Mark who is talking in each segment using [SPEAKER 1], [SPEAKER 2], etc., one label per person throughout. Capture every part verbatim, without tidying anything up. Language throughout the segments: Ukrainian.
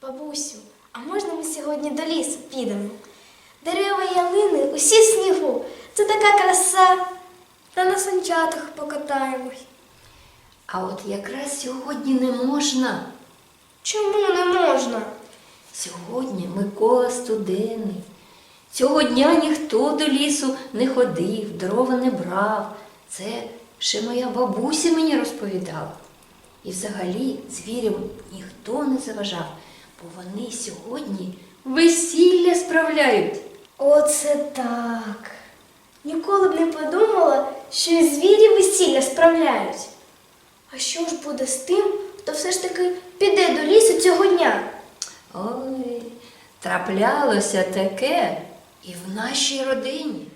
[SPEAKER 1] Бабусю, а можна ми сьогодні до лісу підемо? Дерева і ялини усі в снігу. Це така краса. Та на санчатах покатаємось.
[SPEAKER 2] А от якраз сьогодні не можна.
[SPEAKER 1] Чому не можна?
[SPEAKER 2] Сьогодні Микола Студенний. Цього дня ніхто до лісу не ходив, дрова не брав. Це ще моя бабуся мені розповідала. І взагалі звірям ніхто не заважав, бо вони сьогодні весілля справляють.
[SPEAKER 1] Оце так. Ніколи б не подумала, що і звірі весілля справляють. А що ж буде з тим, хто все ж таки піде до лісу цього дня?
[SPEAKER 2] Ой, траплялося таке і в нашій родині.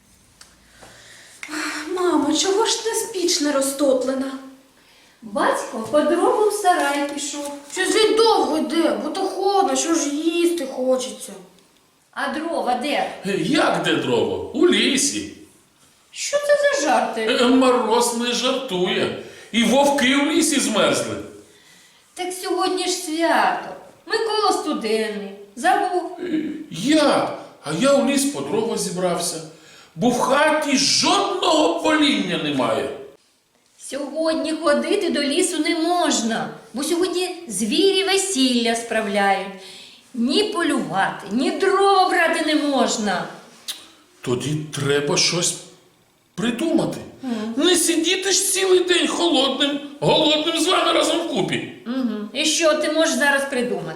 [SPEAKER 3] Мамо, чого ж ти піч не розтоплена?
[SPEAKER 2] Батько по дрова в сарай пішов.
[SPEAKER 3] Щось він довго йде, бо то холодно, що ж їсти хочеться.
[SPEAKER 2] А дрова де?
[SPEAKER 4] Як де дрова? У лісі.
[SPEAKER 2] Що це за жарти?
[SPEAKER 4] Е, Мороз не жартує. І вовки в лісі змерзли.
[SPEAKER 2] Так сьогодні ж свято. Микола Студенний. Забув.
[SPEAKER 4] Е, Як? А я у ліс по дрова зібрався. Бо в хаті жодного поління немає.
[SPEAKER 2] Сьогодні ходити до лісу не можна, бо сьогодні звірі весілля справляють. Ні полювати, ні дрова брати не можна.
[SPEAKER 4] Тоді треба щось придумати. Не сидіти ж цілий день холодним, голодним з вами разом вкупі.
[SPEAKER 2] Угу. І що ти можеш зараз придумати?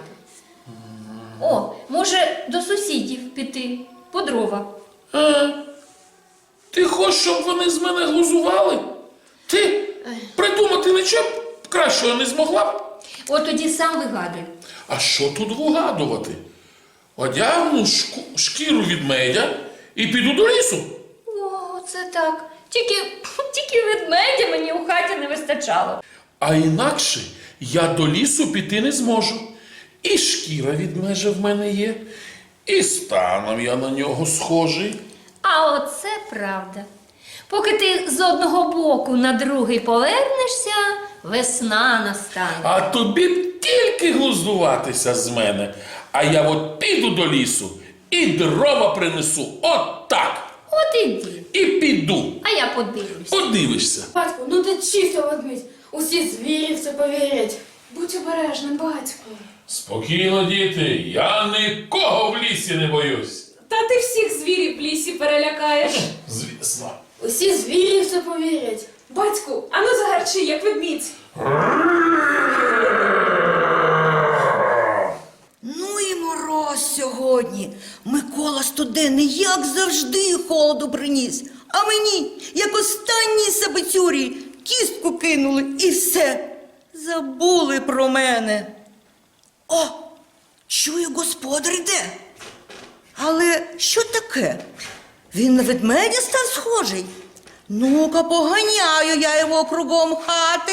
[SPEAKER 2] О, може до сусідів піти по дрова.
[SPEAKER 4] А? Ти хочеш, щоб вони з мене глузували? Ти придумати нічого кращого не змогла б?
[SPEAKER 2] От тоді сам вигадуй.
[SPEAKER 4] А що тут вигадувати? Одягну шку, шкіру ведмедя і піду до лісу.
[SPEAKER 2] О, це так. Тільки, тільки ведмедя мені у хаті не вистачало.
[SPEAKER 4] А інакше я до лісу піти не зможу. І шкіра ведмежа в мене є, і станом я на нього схожий.
[SPEAKER 2] А оце правда. Поки ти з одного боку на другий повернешся, весна настане.
[SPEAKER 4] А тобі б тільки глуздуватися з мене. А я от піду до лісу і дрова принесу. От так.
[SPEAKER 2] От іди.
[SPEAKER 4] І піду.
[SPEAKER 2] А я подивлюсь.
[SPEAKER 4] Подивишся.
[SPEAKER 3] Батько, ну ти чисто ведмідь. Усі звірі в це повірять. Будь обережним, батько.
[SPEAKER 4] Спокійно, діти, я нікого в лісі не боюсь.
[SPEAKER 3] Та ти всіх звірів в лісі перелякаєш.
[SPEAKER 4] Звісно.
[SPEAKER 3] Усі звірі в це повірять. Батьку, ану загарчи, як ведмідь.
[SPEAKER 5] Ну і мороз сьогодні. Микола Студенний, як завжди, холоду приніс. А мені, як останній сабицюрі, кістку кинули і все. Забули про мене. О, чую, господар йде. Але що таке? Він на ведмедя став схожий. Ну-ка, поганяю я його кругом хати.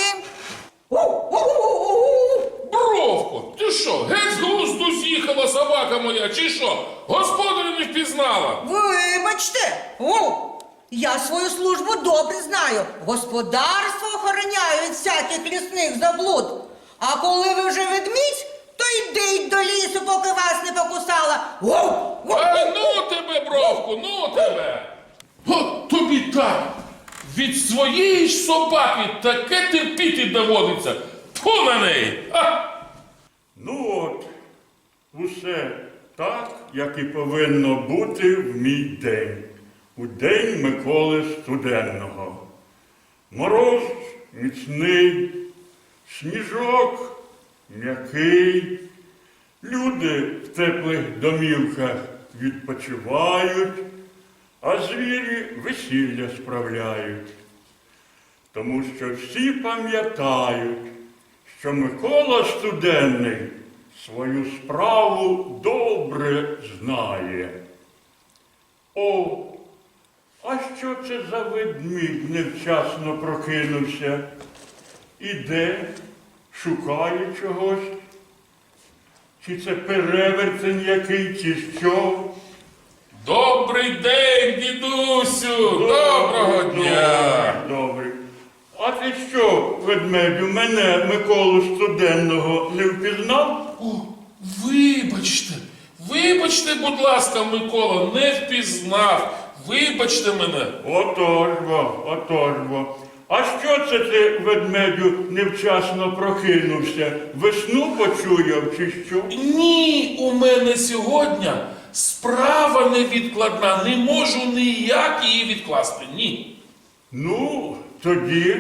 [SPEAKER 4] Бровко, ти що, геть з глузду з'їхала собака моя, чи що? Господаря не впізнала.
[SPEAKER 5] Вибачте, о, я свою службу добре знаю. Господарство охороняю від всяких лісних заблуд. А коли ви вже ведмідь, то йдіть до лісу, поки вас не покусала.
[SPEAKER 4] А ну тебе, Бровку, ну тебе. От тобі так. Від своєї ж собаки таке терпіти доводиться. Тьфу на неї. А!
[SPEAKER 6] Ну от, усе так, як і повинно бути в мій день, у день Миколи Студенного. Мороз міцний, сніжок м'який, люди в теплих домівках відпочивають, а звірі весілля справляють. Тому що всі пам'ятають, що Микола Студенний свою справу добре знає. О, а що це за ведмідь невчасно прокинувся? Іде, шукає чогось? Чи це перевертень який, чи що?
[SPEAKER 4] Добрий день, дідусю! Доброго дня!
[SPEAKER 6] Добрий, добрий. А ти що, ведмедю, мене, Миколу Студенного, не впізнав?
[SPEAKER 4] О, Вибачте, вибачте, будь ласка, Микола, не впізнав. Вибачте мене.
[SPEAKER 6] Отож бо, отож бо. А що це ти, ведмедю, невчасно прокинувся? Весну почуяв чи що?
[SPEAKER 4] Ні, у мене сьогодні справа невідкладна. Не можу ніяк її відкласти. Ні.
[SPEAKER 6] Ну, тоді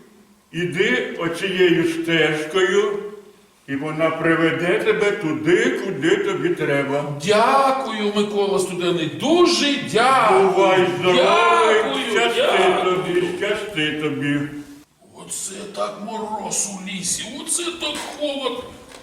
[SPEAKER 6] іди оцією стежкою, і вона приведе тебе туди, куди тобі треба.
[SPEAKER 4] Дякую, Микола Студений, дуже дякую.
[SPEAKER 6] Бувай здоровий,
[SPEAKER 4] Дякую,
[SPEAKER 6] щасти
[SPEAKER 4] дякую.
[SPEAKER 6] тобі, щасти тобі.
[SPEAKER 4] Оце так мороз у лісі, оце так холод.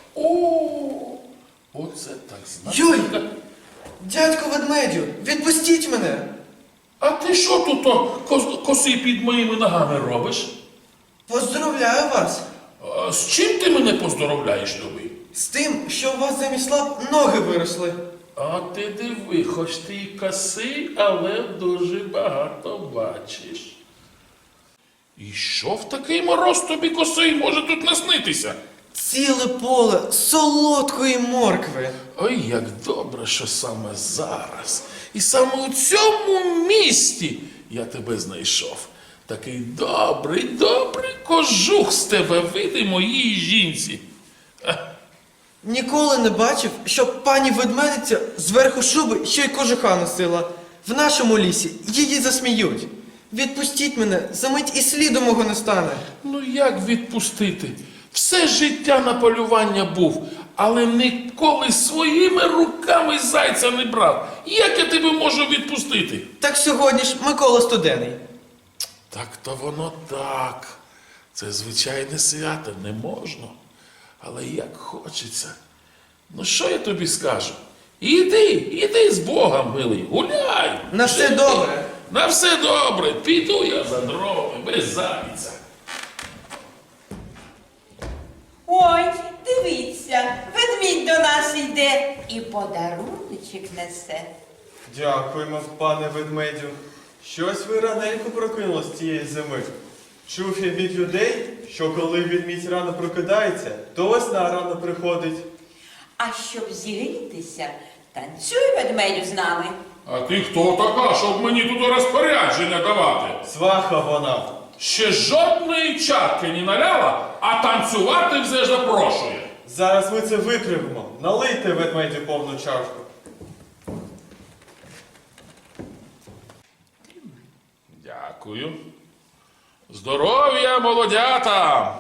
[SPEAKER 4] О, оце так
[SPEAKER 7] Юй!
[SPEAKER 4] знахідка.
[SPEAKER 7] Дядько ведмедю, відпустіть мене!
[SPEAKER 4] А ти що тут о, кос- коси під моїми ногами робиш?
[SPEAKER 7] Поздравляю вас
[SPEAKER 4] А з чим ти мене поздоровляєш, любий?
[SPEAKER 7] з тим, що у вас замість лап ноги виросли.
[SPEAKER 4] А ти диви, хоч ти й косий, але дуже багато бачиш. І що в такий мороз тобі косий може тут наснитися?
[SPEAKER 7] Ціле поле солодкої моркви.
[SPEAKER 4] Ой, як добре, що саме зараз. І саме у цьому місті я тебе знайшов. Такий добрий, добрий кожух з тебе вийде моїй жінці.
[SPEAKER 7] Ніколи не бачив, щоб пані ведмедиця зверху шуби ще й кожуха носила. В нашому лісі її засміють. Відпустіть мене, за мить і сліду мого не стане.
[SPEAKER 4] Ну як відпустити? Все життя на полювання був, але ніколи своїми руками зайця не брав. Як я тебе можу відпустити?
[SPEAKER 7] Так сьогодні ж Микола Студений.
[SPEAKER 4] Так то воно так. Це звичайне свято, не можна. Але як хочеться. Ну що я тобі скажу? Іди, іди з Богом, милий, гуляй.
[SPEAKER 7] На все
[SPEAKER 4] Живи.
[SPEAKER 7] добре.
[SPEAKER 4] На все добре. Піду я за дровами, без зайця.
[SPEAKER 8] Ой, дивіться, ведмідь до нас йде і подаруночок несе.
[SPEAKER 9] Дякуємо, пане ведмедю. Щось ви раненько прокинулись цієї зими. Чув я від людей, що коли ведмідь рано прокидається, то весна рано приходить.
[SPEAKER 8] А щоб зігрітися, танцюй ведмедю з нами.
[SPEAKER 4] А ти хто така, щоб мені тут розпорядження давати?
[SPEAKER 9] Сваха вона.
[SPEAKER 4] Ще жодної чарки не наляла, а танцювати вже запрошує.
[SPEAKER 9] Зараз ми це виправимо. Налийте ведмедю повну чашку.
[SPEAKER 4] Дякую. Здоров'я, молодята!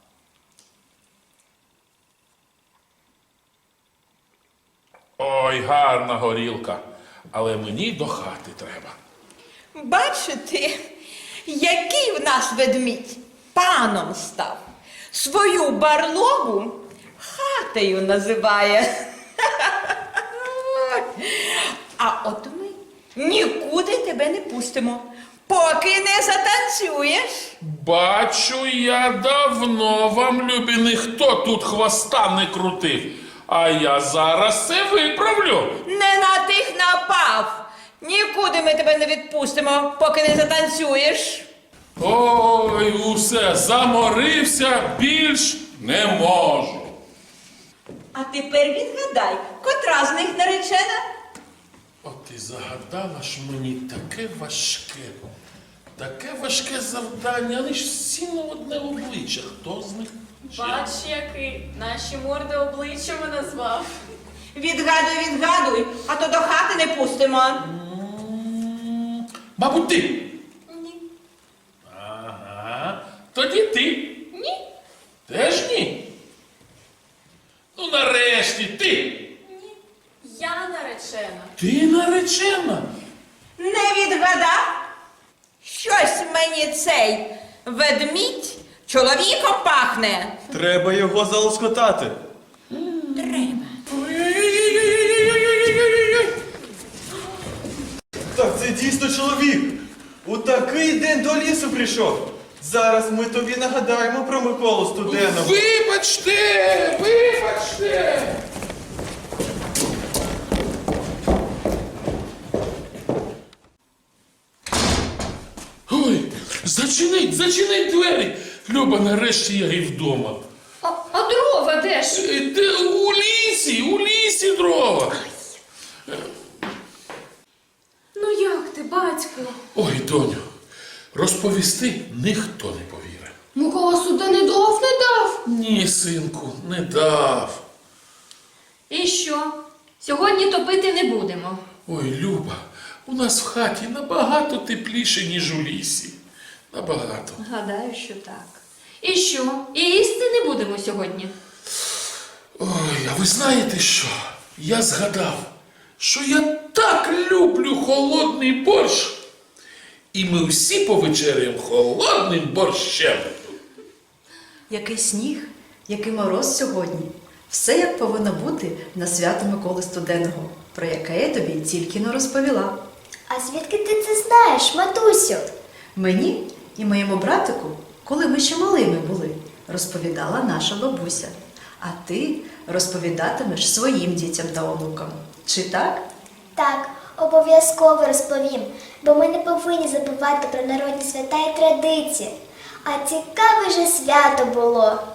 [SPEAKER 4] Ой, гарна горілка. Але мені до хати треба.
[SPEAKER 8] Бачите, який в нас ведмідь паном став. Свою барлогу хатою називає. А от ми нікуди тебе не пустимо, поки не затанцюєш.
[SPEAKER 4] Бачу, я давно вам, любі, ніхто тут хвоста не крутив. А я зараз це виправлю.
[SPEAKER 8] Не на тих напав. Нікуди ми тебе не відпустимо, поки не затанцюєш.
[SPEAKER 4] Ой, усе, заморився, більш не можу.
[SPEAKER 8] А тепер відгадай, котра з них наречена?
[SPEAKER 4] От ти загадала ж мені таке важке, таке важке завдання, але ж всі на одне обличчя. Хто з них?
[SPEAKER 3] Бач, який наші морди обличчями назвав.
[SPEAKER 8] Відгадуй, відгадуй, а то до хати не пустимо.
[SPEAKER 4] М, Мабуть, ти.
[SPEAKER 3] Ні.
[SPEAKER 4] Ага. Тоді ти.
[SPEAKER 3] Ні.
[SPEAKER 4] Теж ні. Ну, нарешті, ти.
[SPEAKER 3] Ні. Я наречена.
[SPEAKER 4] Ти наречена.
[SPEAKER 8] Не відгадав? Щось мені цей ведмідь чоловіком пахне.
[SPEAKER 9] Треба його залоскотати.
[SPEAKER 8] Треба.
[SPEAKER 4] Ой-ой-ой-ой-ой-ой-ой-ой-ой-ой-ой.
[SPEAKER 9] Так це дійсно чоловік. У такий день до лісу прийшов. Зараз ми тобі нагадаємо про Миколу Студеного.
[SPEAKER 4] Вибачте, вибачте. Ой, зачинить, зачинить двері. Люба, нарешті я і вдома.
[SPEAKER 2] А, а дрова де ж?
[SPEAKER 4] Е, Де у лісі, у лісі дрова.
[SPEAKER 3] Ну як ти, батько?
[SPEAKER 4] Ой, доню, розповісти ніхто не повірить.
[SPEAKER 3] Микола сюди не дав, не дав.
[SPEAKER 4] Ні, синку, не дав.
[SPEAKER 2] І що? Сьогодні топити не будемо.
[SPEAKER 4] Ой, Люба, у нас в хаті набагато тепліше, ніж у лісі. Набагато.
[SPEAKER 2] Гадаю, що так. І що? І їсти не будемо сьогодні?
[SPEAKER 4] Ой, а ви знаєте що? Я згадав, що я так люблю холодний борщ. І ми всі повечеряємо холодним борщем.
[SPEAKER 10] Який сніг, який мороз сьогодні. Все як повинно бути на свято Миколи Студенного, про яке я тобі тільки не розповіла.
[SPEAKER 1] А звідки ти це знаєш, матусю?
[SPEAKER 10] Мені і моєму братику, коли ми ще малими були, розповідала наша бабуся. А ти розповідатимеш своїм дітям та онукам. Чи так?
[SPEAKER 1] Так, обов'язково розповім, бо ми не повинні забувати про народні свята і традиції. А цікаве же свято було.